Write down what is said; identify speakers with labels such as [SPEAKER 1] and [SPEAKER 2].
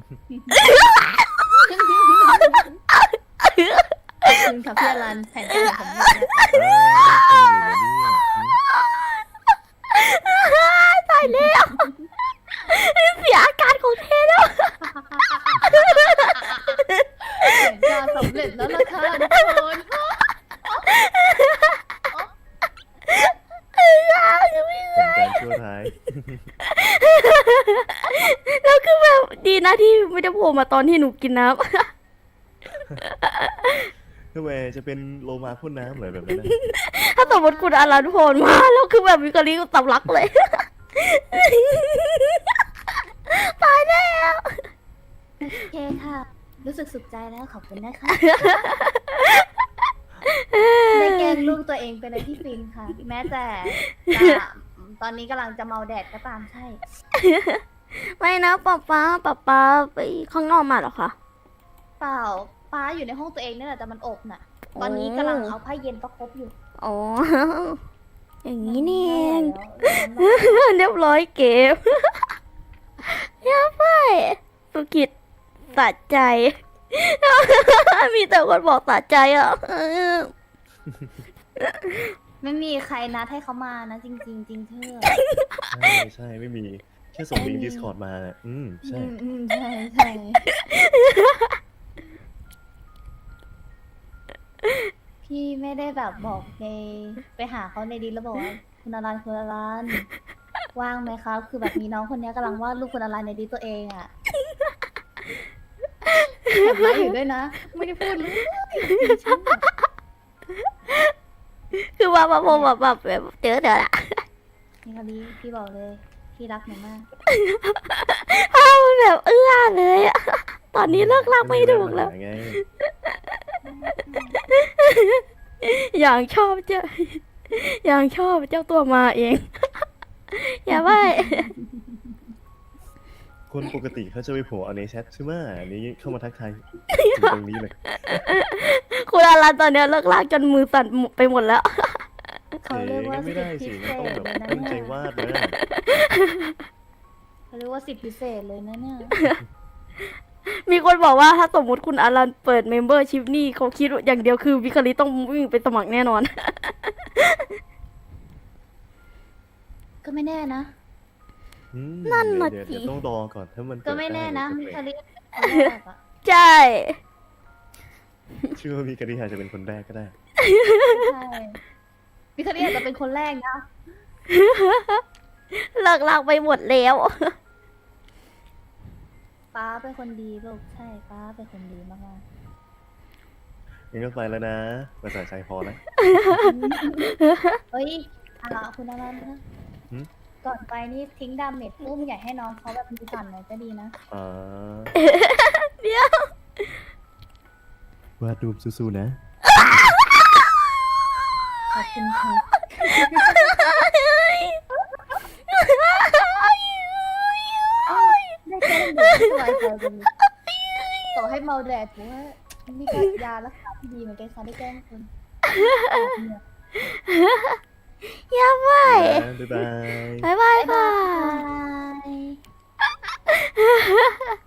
[SPEAKER 1] คุณค่ะพี่อรันแผนการของผม
[SPEAKER 2] ตายแล้วเสียอาการของเทแล้ว
[SPEAKER 1] แผนการสำเร็จแล้วล่ะค่ะทุกคน
[SPEAKER 3] เป็นการชั่วร้าย
[SPEAKER 2] แล้วคือแบบดีนะที่ไม่ได้โผล่มาตอนที่หนูกินน้
[SPEAKER 3] ทำไมจะเป็นโลมาพ่นน้ำเหรอแบบนั้นนะ
[SPEAKER 2] ำถ้าสมมติคุณอารันโผล่มาแล้วคือแบบวิกฤตก็ตำลักเลย ตายแล้ว
[SPEAKER 1] โอเคค่ะ รู้สึกสุขใจแล้วขอบคุณนะคะได้แกล้งลูกตัวเองเป็นอะไรที่ฟินค่ะ แม้แต่ตอนนี้กำลังจะเมาแดดก็ตามใช่
[SPEAKER 2] ไม่นะป๊าไปข้างนอกมาเหรอคะ
[SPEAKER 1] เปล่าป้าอยู่ในห้องตัวเองนั่นแหละแต่มันอบน่ะ ตอนนี้กำลังเอาผ้าเย็นประคบอยู่
[SPEAKER 2] อ๋อ อย่างนี้นี่เอง
[SPEAKER 1] แล้ว
[SPEAKER 2] เรียบร้อยเก็บ ยาไปสุกิจสะใจ มีแต่คนบอกสะใจอ่ะ
[SPEAKER 1] ไม่มีใครนัดให้เขามานะจริงๆจริงเธอ
[SPEAKER 3] ใช่ไม่มีแค่ส่งลิงก์ Discord มาใช่
[SPEAKER 1] ใช่ใช่พี่ไม่ได้แบบบอกในไปหาเขาในดิสแล้วบอกว่าคุณอรันว่างไหมครับคือแบบมีน้องคนนี้กำลังวาดรูปคุณอรันในดิสตัวเองอ่ะแอบมาอยู่ด้วยนะ ไม่ได้พูดเลย
[SPEAKER 2] คือว่ามาบอกแบบเจอเดี๋ยวละ
[SPEAKER 1] นี่คนนี้พี่บอกเลยพี่รักหนูมาก
[SPEAKER 2] อ้าวมันแบบเอื้อเลยอะตอนนี้เลิกรักไม่ถูกแล้ว
[SPEAKER 3] ไง
[SPEAKER 2] อย่างชอบเจ้าอย่างชอบเจ้าตัวมาเอง อย่าไป
[SPEAKER 3] คนปกติเขาจะไปโผล่เอาในแชทใช่ไหมอันนี้เข้ามาทักทายตรงนี้เลย
[SPEAKER 2] คุณอารันตอนเนี้ยเลิกรักจนมือสั่นไปหมดแล้ว
[SPEAKER 1] เขาเรียกว่า
[SPEAKER 3] ไม่
[SPEAKER 1] สิท
[SPEAKER 3] ได้
[SPEAKER 1] ธิ
[SPEAKER 3] สิ
[SPEAKER 1] พิเศ
[SPEAKER 3] มันต้อง
[SPEAKER 1] ษ
[SPEAKER 3] แบบ
[SPEAKER 1] เลยนะ
[SPEAKER 3] ตั้งใจ
[SPEAKER 1] เนี่ยว
[SPEAKER 3] าดนะ
[SPEAKER 1] เขาเรียกว่าสิทธิพิเศษเลยนะเนี่ย
[SPEAKER 2] มีคนบอกว่าถ้าสมมติคุณอารันเปิดเมมเบอร์ชิพนี่เขาคิดอย่างเดียวคือวิคลิต้องวิ่งไปสมัครแน่นอน
[SPEAKER 1] ก็ไม่แน่นะ
[SPEAKER 2] นั่นน่ะ
[SPEAKER 3] เดี๋ยว
[SPEAKER 2] สิ
[SPEAKER 3] ต้องรอก่อนถ้ามัน
[SPEAKER 1] ก็ไม่แน่นะ
[SPEAKER 3] เปิ
[SPEAKER 1] มิ
[SPEAKER 3] ด
[SPEAKER 1] คา
[SPEAKER 3] ได้
[SPEAKER 1] ริคนแรกอะ
[SPEAKER 2] ใช่
[SPEAKER 3] เชื่อว่ามีกริยาจะเป็นคนแรกก็ได้
[SPEAKER 1] ใช่มิคาริอาจจะเป็นคนแรกนะ
[SPEAKER 2] เลิกรักไปหมดแล้ว
[SPEAKER 1] ป้าเป็นคนดีลูกใช่ป้าเป็นคนดีมาก
[SPEAKER 3] งั้นก็ไปแล้วนะภาษาใจพอนะ
[SPEAKER 1] ๆเฮ้ยอะไรคุณอะไรนะ
[SPEAKER 3] หืม
[SPEAKER 1] ก่อนไปนี่ทิ้งดาเมจปุ้มอยากให้น้องเขาแบบมีสั่นหน่อยก็ดีนะ
[SPEAKER 3] อ่า
[SPEAKER 2] เดี๋ยว
[SPEAKER 3] วาดรูปสู้ๆนะ
[SPEAKER 1] ขอบคุณค่ะได้แก้เด็กสบายใจจังต่อให้เมาแดดถือว่านี่ก็ยารักษาที่ดีเหมือนกันค่ะได้แก้คน
[SPEAKER 2] อย่าไป
[SPEAKER 3] บ๊ายบาย
[SPEAKER 2] บ๊ายบายค่ะ
[SPEAKER 1] บาย